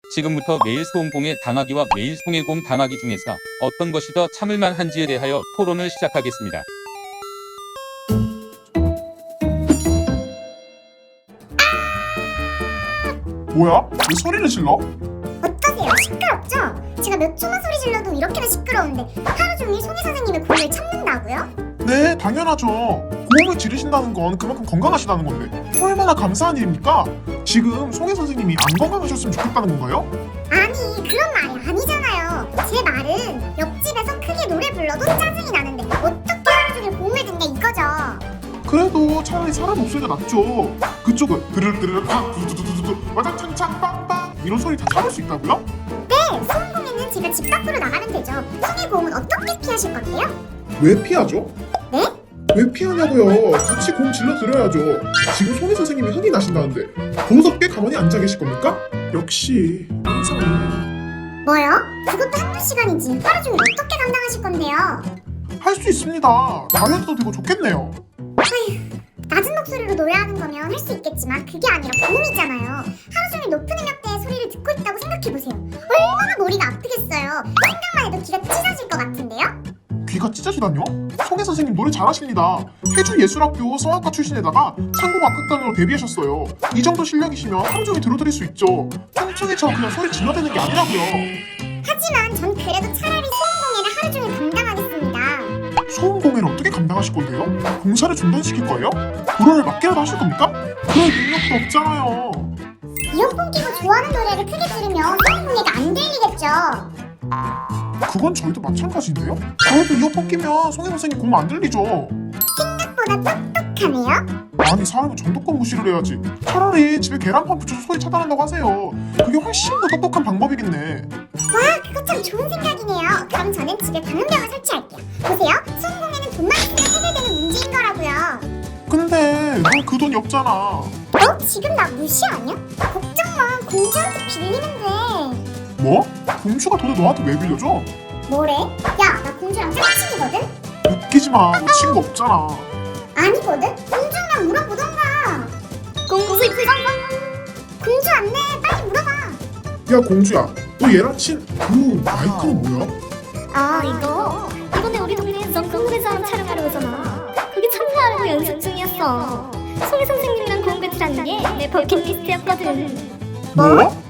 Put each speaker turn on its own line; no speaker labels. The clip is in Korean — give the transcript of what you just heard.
지금부터 매일 소음공해 당하기와 매일 송해공 당하기 중에서 어떤 것이 더 참을만 한지에 대하여 토론을 시작하겠습니다.
뭐야? 왜 소리를 질러?
어떠세요? 시끄럽죠? 제가 몇 초만 소리 질러도 이렇게나 시끄러운데 하루 종일 송혜 선생님의 고음을 참는다고요?
네, 당연하죠. 고음을 지르신다는 건 그만큼 건강하시다는 건데 얼마나 감사한 일입니까? 지금 송혜 선생님이 안 건강하셨으면 좋겠다는 건가요?
아니 그런 말이 아니잖아요. 제 말은 옆집에서 크게 노래 불러도 짜증이 나는데 어떻게 하루 종일 고음을 듣냐 이거죠.
그래도 차라리 사람 목소리가 낫죠. 그쪽은 드르르르르 팡 두두두두두 와장창창 빵빵 이런 소리 다 참을 수 있다고요?
네, 소음공에는 제가 집 밖으로 나가면 되죠. 송혜 고음은 어떻게 피하실 건데요?
왜 피하죠?
네?
왜 피하냐고요? 같이 공 질러 드려야죠. 지금 송혜 선생님이 흥이 나신다는데 더 무섭게 가만히 앉아 계실 겁니까? 역시 항상
뭐요? 그것도 한두 시간이지 하루 종일 어떻게 감당하실 건데요?
할 수 있습니다. 다이어트도 되고 좋겠네요.
낮은 목소리로 노래하는 거면 할 수 있겠지만 그게 아니라 고음이잖아요. 하루 종일 높은 음역대의 소리를 듣고 있다고 생각해보세요. 얼마나 머리가 아프겠어요. 생각만 해도 귀가 찢어질 것 같은데요?
귀가 찢어지다뇨? 송혜 선생님 노래 잘하십니다. 해주예술학교 성악과 출신에다가 창공악극단으로 데뷔하셨어요. 이 정도 실력이시면 하루 종일 들어드릴 수 있죠. 뚱뚱이처럼 그냥 소리 질러대는 게 아니라고요.
하지만 전 그래도 차라리 소음공예를 하루 종일 감당하겠습니다.
소음 공해를 어떻게 감당하실 건데요? 공사를 중단시킬 거예요? 불화를 막기라도 하실 겁니까? 그럴 능력도 없잖아요.
이어폰 끼고 좋아하는 노래를 크게 들으면 소음공예가 안 들리겠죠.
그건 저희도 마찬가지인데요? 저희도 이어폰 끼면 송혜 선생님 공안 들리죠.
생각보다 똑똑하네요.
아니 사람은 정도껏 무시를 해야지. 차라리 집에 계란판 붙여서 소리 차단한다고 하세요. 그게 훨씬 더 똑똑한 방법이겠네.
와, 그거 참 좋은 생각이네요. 그럼 저는 집에 방음벽을 설치할게요. 보세요, 소음공예는 돈만 있으면 해결되는 문제인 거라고요.
근데 넌 그 돈이 없잖아.
너 지금 나 무시하냐? 걱정 마, 공주한테 빌리면 돼.
뭐? 공주가 돈을 너한테 왜 빌려줘?
뭐래? 야, 나 공주랑 짝친이거든?
웃기지 마. 너 친구 없잖아.
아니거든? 공주랑 물어보던가. 공주 있어? 공주 안내 빨리 물어봐.
야 공주야, 너 얘랑 그 마이크는 뭐야?
아,
이번에 우리 동네에서 궁금해서 촬영하러 오잖아. 거기 참가하려고 연습 중이었어. 송혜 선생님이랑 고음 배틀하는 게 내 버킷리스트였거든.
뭐?